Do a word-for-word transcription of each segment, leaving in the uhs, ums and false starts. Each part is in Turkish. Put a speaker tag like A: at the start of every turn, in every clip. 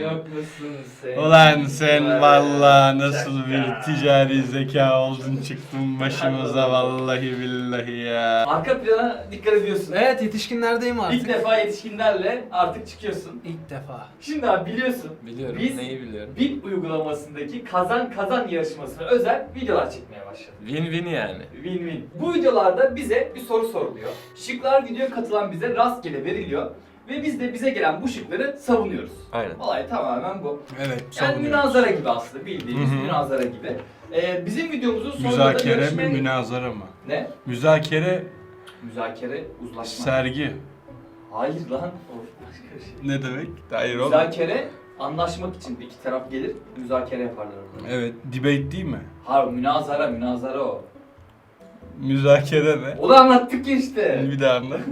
A: Yok musun sen?
B: Ulan sen valla nasıl bir ticari zeka oldun çıktın başımıza vallahi billahi ya.
A: Arka plana dikkat ediyorsun.
C: Evet, yetişkinlerdeyim artık.
A: İlk defa yetişkinlerle artık çıkıyorsun.
C: İlk defa.
A: Şimdi abi biliyorsun.
D: Biliyorum.
A: Biz
D: Neyi biliyorum?
A: Bin uygulamasındaki kazan kazan yarışmasına özel videolar çekmeye başladık.
D: Win-win yani.
A: Win-win. Bu videolarda bize bir soru soruluyor. Şıklar videoya katılan bize rastgele veriliyor. Ve biz de bize gelen bu şıkları savunuyoruz.
D: Aynen.
A: Olay tamamen bu.
B: Evet.
A: Yani münazara gibi aslında, bildiğimiz
B: Hı hı.
A: münazara gibi. Ee, bizim videomuzun sonunda da
B: Müzakere mi
A: yarışmaya...
B: münazara mı?
A: Ne?
B: Müzakere
A: Müzakere, uzlaşma.
B: sergi.
A: Hayır lan. O başka bir şey.
B: Ne demek? Hayır oğlum.
A: Müzakere, anlaşmak için iki taraf gelir, müzakere yaparlar orada.
B: Evet, debate değil mi?
A: Hayır, münazara, münazara o.
B: Müzakere ne?
A: O da anlattık ya işte.
B: Bir daha anlat.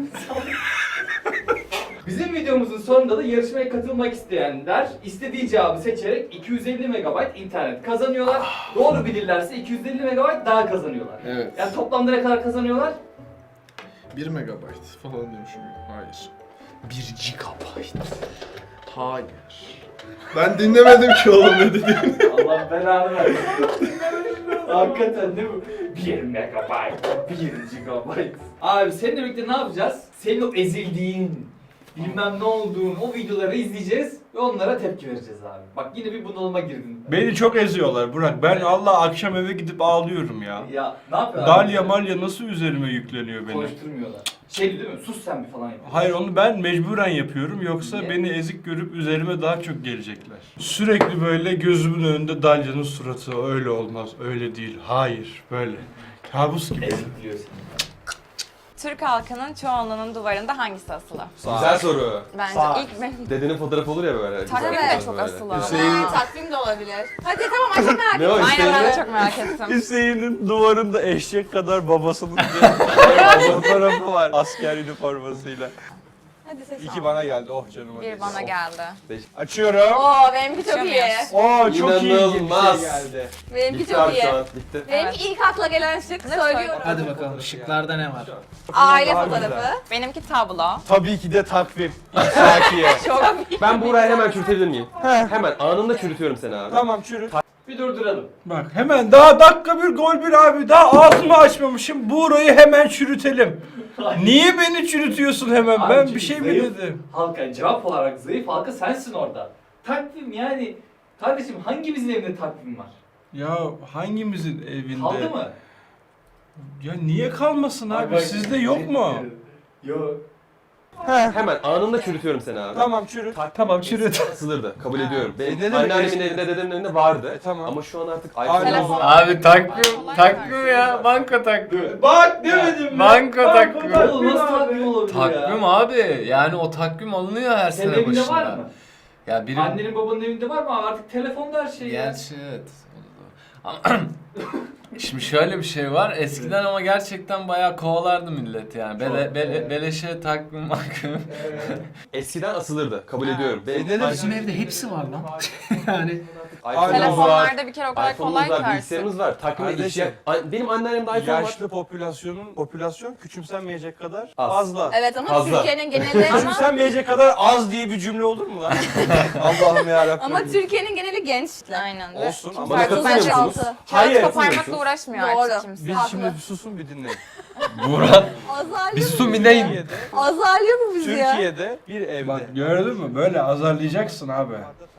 A: Bizim videomuzun sonunda da yarışmaya katılmak isteyenler istediği cevabı seçerek iki yüz elli megabayt internet kazanıyorlar. Doğru bilirlerse iki yüz elli megabayt daha kazanıyorlar.
E: Evet.
A: Yani toplamda ne kadar kazanıyorlar?
E: bir megabayt falan diyormuşum. Hayır. bir gigabayt. Hayır. Ben dinlemedim ki oğlum ne dediğini.
A: Allah belanı versin. Hakikaten değil mi? bir megabayt, bir gigabayt. Abi seninle birlikte ne yapacağız? Senin o ezildiğin, bilmem ne olduğun o videoları izleyeceğiz ve onlara tepki vereceğiz abi. Bak yine bir bunalıma girdin.
B: Beni çok eziyorlar Burak. Ben Allah akşam eve gidip ağlıyorum ya.
A: Ya ne yapıyorlar?
B: Dalya malya nasıl üzerime yükleniyor benim?
A: Konuşturmuyorlar. Şey değil mi? Sus sen bir falan yapıyor.
B: Hayır onu ben mecburen yapıyorum yoksa
A: Niye?
B: beni ezik görüp üzerime daha çok gelecekler. Sürekli böyle gözümün önünde Dalya'nın suratı öyle olmaz, öyle değil, hayır böyle. Kabus gibi.
A: Ezik diyor seni.
F: Türk halkının çoğunluğunun duvarında hangisi asılı?
G: Güzel soru.
F: Bence
C: Sağ.
F: ilk benim.
G: Dedenin fotoğrafı olur ya böyle.
F: Takvim
G: güzel
F: de
G: güzel
F: çok
G: böyle.
F: asılı.
E: Hüseyin-
F: Ha, takvim de olabilir. Hadi tamam ay çok merak
G: Ne o
F: ettim. Aynen ben de
G: Hüseyin'e?
F: çok merak ettim.
B: Hüseyin'in duvarında eşek kadar babasının fotoğrafı var asker üniformasıyla.
F: Hadi seç.
B: İki bana geldi, oh canım.
F: Bir bana geldi.
B: Açıyorum.
F: Oo benimki çok iyi.
B: Oo çok iyi bir
G: İnanılmaz.
B: şey geldi.
F: Benimki
G: Bitti
F: çok
G: abi
F: iyi.
G: şu an, bitti.
F: Benimki ilk akla gelen şık söylüyorum.
C: Hadi bakalım, şıklarda ne var?
F: Aile
B: Daha
F: fotoğrafı.
B: güzel.
F: Benimki tablo.
B: Tabii ki de takvim. Sakiye.
F: Çok
G: Ben Buğra'yı hemen çürütebilir miyim? Hemen anında çürütüyorum seni abi.
B: Tamam çürüt.
A: Bir durduralım.
B: Bak hemen daha dakika bir gol bir abi. Daha ağzımı açmamışım. Buğra'yı hemen çürütelim. Niye beni çürütüyorsun hemen?
A: Abi
B: Ben
A: çünkü
B: bir şey mi
A: zayıf.
B: dedim?
A: Halka cevap olarak zayıf halka sensin orada. Takvim yani. Kardeşim hangimizin evinde takvim var?
B: Ya hangimizin evinde?
A: Kaldı mı?
B: Ya niye kalmasın abi?
A: Bak,
B: Sizde yok mu?
A: Yok.
G: Hemen anında çürütüyorum seni abi.
B: Tamam çürüt. Tamam çürüt.
G: Asılırdı. Kabul ediyorum. Benim
B: E, ne demek
G: anneannemin
B: eski?
G: evinde, dedemin evinde vardı.
B: E, tamam.
G: Ama şu an artık
B: Aynen.
G: iPhone
F: Telefon.
D: Abi takvim,
F: Kolay
D: takvim
F: gelsin.
D: ya. Banka takvim.
B: Bak demedim mi?
D: Banko takvimi.
A: Oğlum nasıl takvim olabilir ya?
D: Takvim abi. Yani o takvim alınıyor her
A: Senin
D: sene
A: evinde
D: başında.
A: var mı?
D: Ya benim...
A: Annenin babanın evinde var mı? Artık telefonda her şey ya.
D: Gerçi evet. Ama şimdi şöyle bir şey var. Eskiden ama gerçekten bayağı kovalardı millet yani. Bele,
A: Çok,
D: bele,
A: evet.
D: beleşe takvim takvim.
G: eskiden asılırdı. Kabul ediyorum. Benim
B: E, ne demek?
C: Bizim evde hepsi var lan. Yani
G: iPhone'umuz var.
F: Telefonlarda bir kere o kadar
G: iPhone'umuz
F: kolay
G: var,
F: ki artık.
G: bilgisayarımız var. Takvime
B: Kardeşim.
G: işe... An- Benim anneannemde iPhone var.
B: Yaşlı popülasyonun popülasyon küçümsenmeyecek kadar
G: Az.
B: fazla.
F: Evet ama
G: Fazla.
F: Türkiye'nin geneli ama,
B: Küçümsenmeyecek kadar az diye bir cümle olur mu lan? Allah'ım yarabbim.
F: ama Türkiye'nin geneli genç. Aynen.
B: Olsun ama-
G: Bana katılmıyor musunuz?
F: Kağıt
B: Hayır.
F: koparmakla uğraşmıyor artık kimse.
B: Biz şimdi bir susun bir dinleyin.
D: Burak.
F: Azarlıyor
D: Bir su bir neyim?
B: Türkiye'de,
F: Azarlıyor mu bizi ya?
B: Türkiye'de bir evde. Bak gördün mü? Böyle azarlayacaksın abi.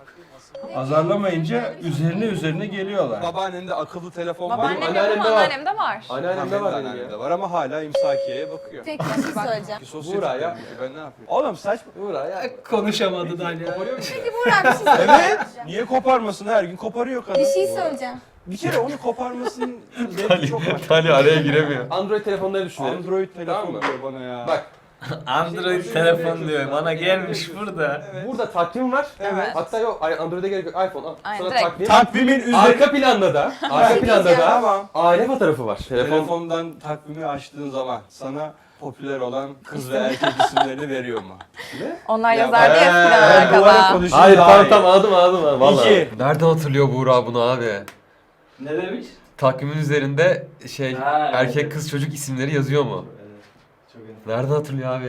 B: Azarlamayınca üzerine üzerine geliyorlar. Babaannende akıllı telefon var.
F: Babaannem yok
G: anneannemde
F: ama
G: var.
F: anneannemde var.
G: Anneannemde var benim
B: Anneannemde
G: ya.
B: var ama hala imsakiyeye bakıyor.
F: Tek bir şey söyleyeceğim.
B: Sosyetik
G: Buğra ya.
B: yapıyor, ben ne yapayım? Oğlum saçma.
G: Buğra ya.
C: konuşamadı Dalya.
F: Peki Burak bir şey söyleyeceğim.
B: Evet. Niye koparmasın her gün koparıyor kadın.
F: Bir şey söyleyeceğim.
B: Bir kere onu koparmasının zevki çok var.
D: Tali araya giremiyor.
G: Android telefonları düşünelim.
B: Android telefon
G: Tamam mı?
B: diyor bana ya.
G: Bak,
D: Android telefon diyor. Bana gelmiş burada.
G: burada takvim var.
B: Evet.
G: Hatta yok, ay- Android'e gerek yok. iPhone al.
F: Aynen,
G: Sana
F: direkt.
G: takvim.
B: Takvimin üzeri...
G: Arka planda da, arka planda da
B: Tamam.
G: aile fotoğrafı var. Telefon.
B: Telefondan takvimi açtığın zaman sana popüler olan kız ve erkek isimlerini veriyor mu?
F: Onlar
B: Ya,
F: yazardı ya
B: eee,
F: eskiden
B: duvara
F: arkada.
B: konuşun
G: Hayır
B: daha
G: tamam
B: iyi.
G: tamam aldım aldım aldım. Vallahi.
B: İki.
D: Nereden hatırlıyor Buğra bunu abi?
A: Ne demiş?
D: Takvimin üzerinde şey
A: Ha,
D: erkek
A: evet.
D: kız çocuk isimleri yazıyor mu?
A: Evet. Çok iyi.
D: Nereden hatırlıyor abi herif?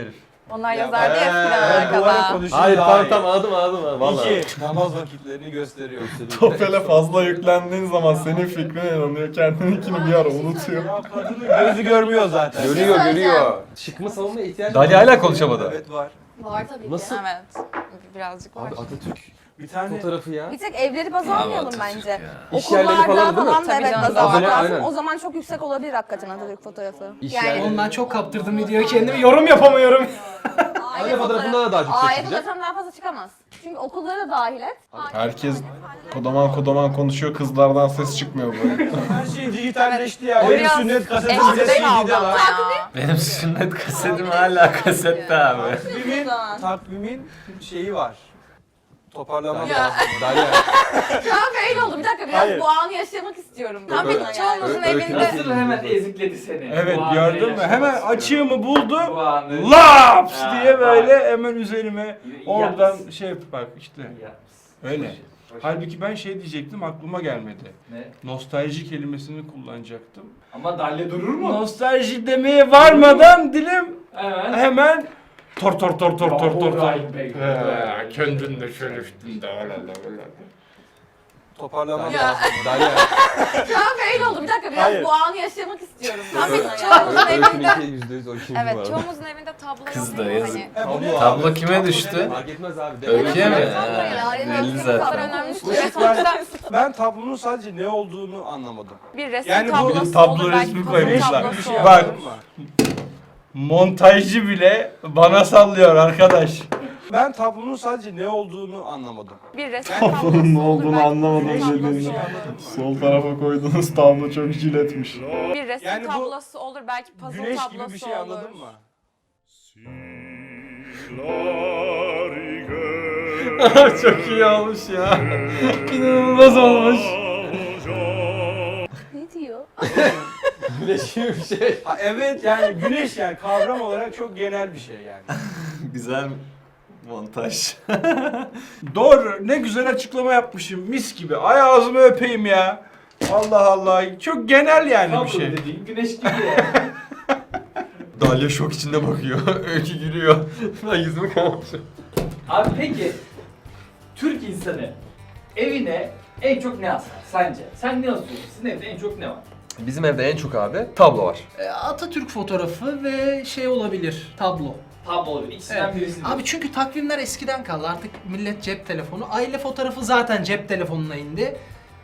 F: Onlar yazardı ya eskiden
H: Ben duvara
F: arkada.
H: konuşayım
G: Hayır
H: daha
G: tamam
H: iyi.
G: tamam anladım anladım. Vallahi.
H: İki, namaz vakitlerini gösteriyor.
E: Topel'e fazla yüklendiğin zaman senin fikrine inanıyor. Kendininkini bir ara unutuyor.
H: Ya kadının gözü görmüyor zaten.
G: Görüyor görüyor. Şıkma savunmaya ihtiyacı var. Dalya hala konuşamadı.
H: Evet var.
F: Var tabii
G: Nasıl?
F: ki. Evet. Birazcık var.
G: Abi Atatürk
H: Bir tane
G: fotoğrafı ya.
I: Bir tek evleri baz almayalım
D: Atatürk
I: bence.
D: ya.
G: İş yerleri
I: Okullarda
G: falan değil mi?
I: falan da
F: Tabii
I: evet
F: canım,
I: baz almak
G: aynen,
I: lazım.
G: aynen.
I: O zaman çok yüksek olabilir hakikaten Atatürk fotoğrafı.
G: İş
I: Yani-
G: yerleri.
C: Oğlum ben çok kaptırdım videoyu kendimi yorum yapamıyorum.
G: Aile fotoğrafından da daha çok
I: Aile
G: çekilecek.
I: fotoğrafından daha fazla çıkamaz. Çünkü okulları da dahil et.
E: Herkes kodaman kodaman konuşuyor. Kızlardan ses çıkmıyor böyle.
H: her şey dijitalleşti ya.
F: O
H: Benim
F: biraz
H: sünnet kasetim bile
F: eskide
H: C
F: kaldı
H: D'de
F: ama
H: var.
F: ya.
D: Benim sünnet kasetim hala kasette abi.
H: Takvimin, takvimin şeyi var. Toparlamam
I: Ya.
H: lazım.
G: Dalya.
I: Kanka öyle oldu. Bir dakika biraz
H: Hayır.
I: bu anı yaşamak istiyorum.
F: Tam
G: Öyle-
F: bir çoğumuzun
G: öyle-
F: evinde
A: Nasıl hemen ezikledi seni?
B: Evet
A: Bu anı
B: gördün mü?
A: yaşamak
B: Hemen
A: istiyorum.
B: açığımı buldu.
A: Bu anı.
B: Laps
A: Ha,
B: diye böyle
A: bak.
B: hemen üzerime
A: İyi
B: oradan
A: yapmışsın.
B: şey yap- bak işte.
A: İyi yapmışsın.
B: Öyle.
A: Hoş- hoş-
B: Halbuki ben şey diyecektim aklıma gelmedi.
A: Ne?
B: Nostalji kelimesini kullanacaktım.
A: Ama Dalya durur mu?
B: Nostalji demeye varmadan dilim
A: Evet.
B: hemen tor tor tor tor tor tor tor.
A: Rahim Bey.
B: He, Kendin de şöyle üstünde öyle öyle.
H: Toparlamam
I: Ya.
H: lazım.
G: Dalya.
I: Kanka öyle oldu. Bir dakika biraz
H: Hayır.
I: bu anı yaşamak istiyorum.
F: Tam bir
I: Yani.
F: çoğumuzun evinde
G: Öykününki yüzde yüz o ikinci bu
F: Evet,
G: arada.
F: çoğumuzun evinde tablo
D: Kız
F: yok
D: da
F: mu?
D: yazık.
F: Hani
H: Tablo
D: Tablo
H: abi.
D: kime düştü?
G: Fark etmez abi.
D: Öykü'ye mi?
I: Tablo
D: Ha,
I: ya,
D: belli
I: evet.
F: bu kadar
D: zaten.
F: önemli
I: Evet.
F: değil. Sonuçta
H: Ben tablonun sadece ne olduğunu anlamadım.
F: bir resim
H: Yani bu
F: tablosu
B: bir tablo
F: olur, belki
B: resmi
F: puzzle
B: koymuşlar.
F: tablosu
H: Bir şey
F: olur.
B: Bak.
H: anladın mı?
B: Montajcı bile bana sallıyor arkadaş.
H: Ben tablonun sadece ne olduğunu anlamadım.
F: Bir resim
E: Tablonun
F: tablosu
E: ne
F: olur,
E: olduğunu
F: belki
E: anlamadım
F: puzzle tablosu
E: dediğini.
F: olur.
E: Sol tarafa koyduğunuz tablo çok jiletmiş.
F: Bir resim
H: Yani bu
F: tablosu olur, belki puzzle
H: Güneş
F: tablosu
H: gibi bir şey
F: olur.
H: anladın mı?
B: Çok iyi olmuş ya. İnanılmaz olmuş.
I: Ne diyor?
G: Güneş gibi bir şey.
H: Ha, evet yani güneş yani kavram olarak çok genel bir şey yani.
D: Güzel montaj.
B: Doğru. Ne güzel açıklama yapmışım. Mis gibi. Ay ağzımı öpeyim ya. Allah Allah. Çok genel yani bir
A: Tablo
B: şey.
A: dediğin güneş gibi yani.
G: Dalya şok içinde bakıyor. Öykü gülüyor. Ben yüzümü kapatmışım.
A: Abi peki Türk insanı evine en çok ne asar sence? Sen ne asıyorsun? Sizin evde en çok ne var?
G: Bizim evde en çok abi tablo var.
C: E, Atatürk fotoğrafı ve şey olabilir, tablo.
A: Tablo olur. İkisinden
C: Evet.
A: birisi.
C: Abi çünkü takvimler eskiden kaldı. Artık millet cep telefonu. Aile fotoğrafı zaten cep telefonuna indi.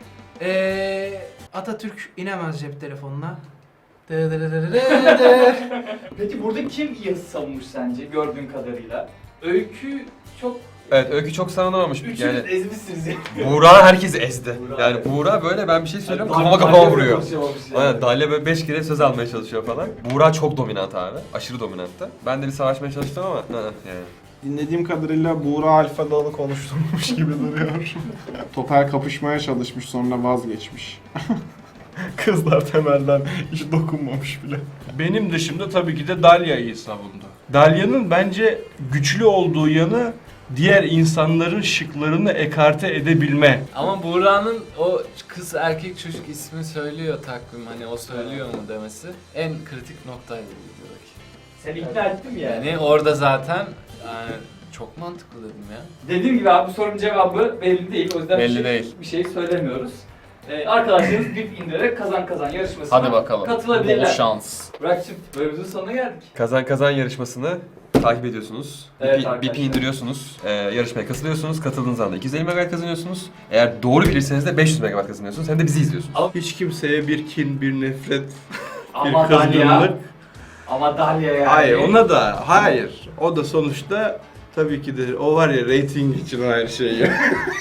C: Ee, Atatürk inemez cep telefonuna. Dı dı dı dı dı dı.
A: Peki burada kim yazı savunmuş sence gördüğün kadarıyla? Öykü çok...
G: Evet Öykü çok savunamamış.
A: Üçünüz
G: Yani
A: ezmişsiniz ya.
G: Buğra herkesi ezdi.
A: Buğra.
G: Yani Buğra böyle ben bir şey söylüyorum
A: Dalya-
G: kafama kafama
A: Dalya
G: vuruyor.
A: konuşamamış yani.
G: Aynen Dalya böyle beş kere söz almaya çalışıyor falan. Buğra çok dominant abi. Aşırı dominanttı. Ben de bir savaşmaya çalıştım ama hı, yani.
E: Dinlediğim kadarıyla Buğra Alfa Dalı konuşturmuş gibi duruyor. Topel kapışmaya çalışmış sonra vazgeçmiş. Kızlar temelden hiç dokunmamış bile.
B: Benim dışımda tabii ki de Dalya'yı savundu. Dalya'nın bence güçlü olduğu yanı diğer insanların şıklarını ekarte edebilme.
D: Ama Buğra'nın o kız erkek çocuk ismi söylüyor takvim hani o söylüyor mu demesi en kritik noktaydı videodaki.
A: Seni ikna ettim yani.
D: Yani orada zaten yani çok mantıklı dedim ya.
A: Dediğim gibi abi bu sorunun cevabı belli değil. O yüzden
D: Belli
A: bir şey,
D: değil.
A: bir şey söylemiyoruz. Ee, arkadaşlarınız bip indirerek kazan kazan yarışmasına
D: Hadi bakalım.
A: katılabilirler.
D: Bol şans.
A: Burak'cığım bölümümüzün sonuna geldik.
G: Kazan kazan yarışmasını takip ediyorsunuz.
A: Evet
G: B P,
A: arkadaşlar.
G: B P indiriyorsunuz. Ee, yarışmaya katılıyorsunuz. Katıldığınız anda iki yüz elli megabayt kazanıyorsunuz. Eğer doğru bilirseniz de beş yüz megabayt kazanıyorsunuz. Hem de bizi izliyorsunuz.
B: Hiç kimseye bir kin, bir nefret,
A: Ama
B: bir
A: Dalya.
B: kızgınlık.
A: Ama Dalya yani.
B: Hayır ona da hayır. O da sonuçta tabii ki de o var ya reyting için o her şey ya.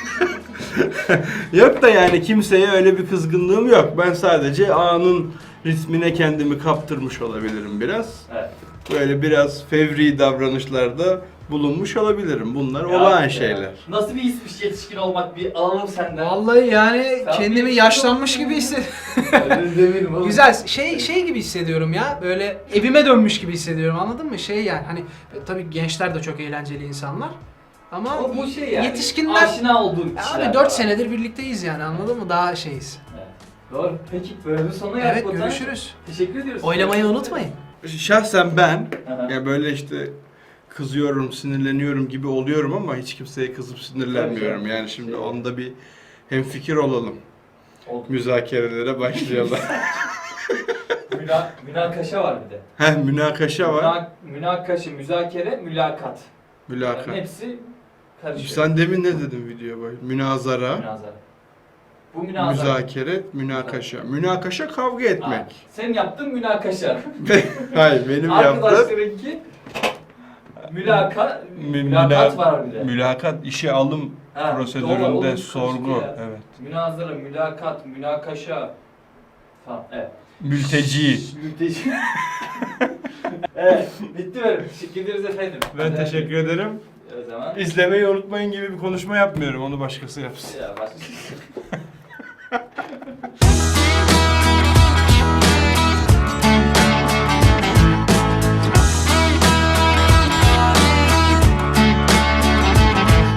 B: Yok da yani kimseye öyle bir kızgınlığım yok. Ben sadece anın ritmine kendimi kaptırmış olabilirim biraz.
A: Evet.
B: Böyle biraz fevri davranışlarda bulunmuş olabilirim. Bunlar
A: Ya
B: olağan
A: ya.
B: şeyler.
A: Nasıl bir hismiş yetişkin olmak bir alalım senden.
C: Vallahi yani
A: Sen
C: kendimi
A: bir-
C: yaşlanmış gibi hissediyorum.
A: Öyle demedim oğlum.
C: Güzel şey şey gibi hissediyorum ya. Böyle evime dönmüş gibi hissediyorum. Anladın mı? Şey yani hani e, tabii gençler de çok eğlenceli insanlar. Ama
A: Ama bu şey yani.
C: yetişkinler
A: Aşina olduğun
C: Ya
A: kişiler.
C: abi dört
A: var.
C: senedir birlikteyiz yani anladın mı? Daha şeyiz.
A: Evet. Doğru. Peki bölümün sonuna geldik
C: Evet
A: o zaman.
C: görüşürüz.
A: Teşekkür ediyoruz.
C: Oylamayı unutmayın.
B: Şahsen ben
A: Aha.
B: ya böyle işte kızıyorum, sinirleniyorum gibi oluyorum ama hiç kimseye kızıp sinirlenmiyorum. Yani şimdi onda bir hemfikir olalım.
A: Oldu.
B: Müzakerelere başlayalım.
A: Müna, münakaşa var bir de.
B: Heh, münakaşa var.
A: Müna, münakaşa, müzakere, mülakat.
B: Mülakat.
A: Yani hepsi karışıyor.
B: Sen demin ne dedin video boyu? Münazara,
A: Münazara. Bu münazara.
B: müzakere, münakaşa. Münakaşa kavga etmek.
A: Ha, sen yaptın münakaşa.
B: Hayır, benim yaptığım
A: Arkadaşlarınki mülaka,
B: Mü-
A: mülakat
B: müla-
A: var bir de.
B: mülakat işe alım
A: Ha, doğru,
B: prosedüründe
A: oğlum,
B: sorgu.
A: karıştı ya.
B: Evet.
A: Münazara, mülakat, münakaşa falan. Evet.
B: Mülteci.
A: Mülteci. Evet, bitti benim. Teşekkür ederiz efendim.
B: Ben teşekkür ederim.
A: O zaman.
B: İzlemeyi unutmayın gibi bir konuşma yapmıyorum. Onu başkası yapsın.
A: Ya başka.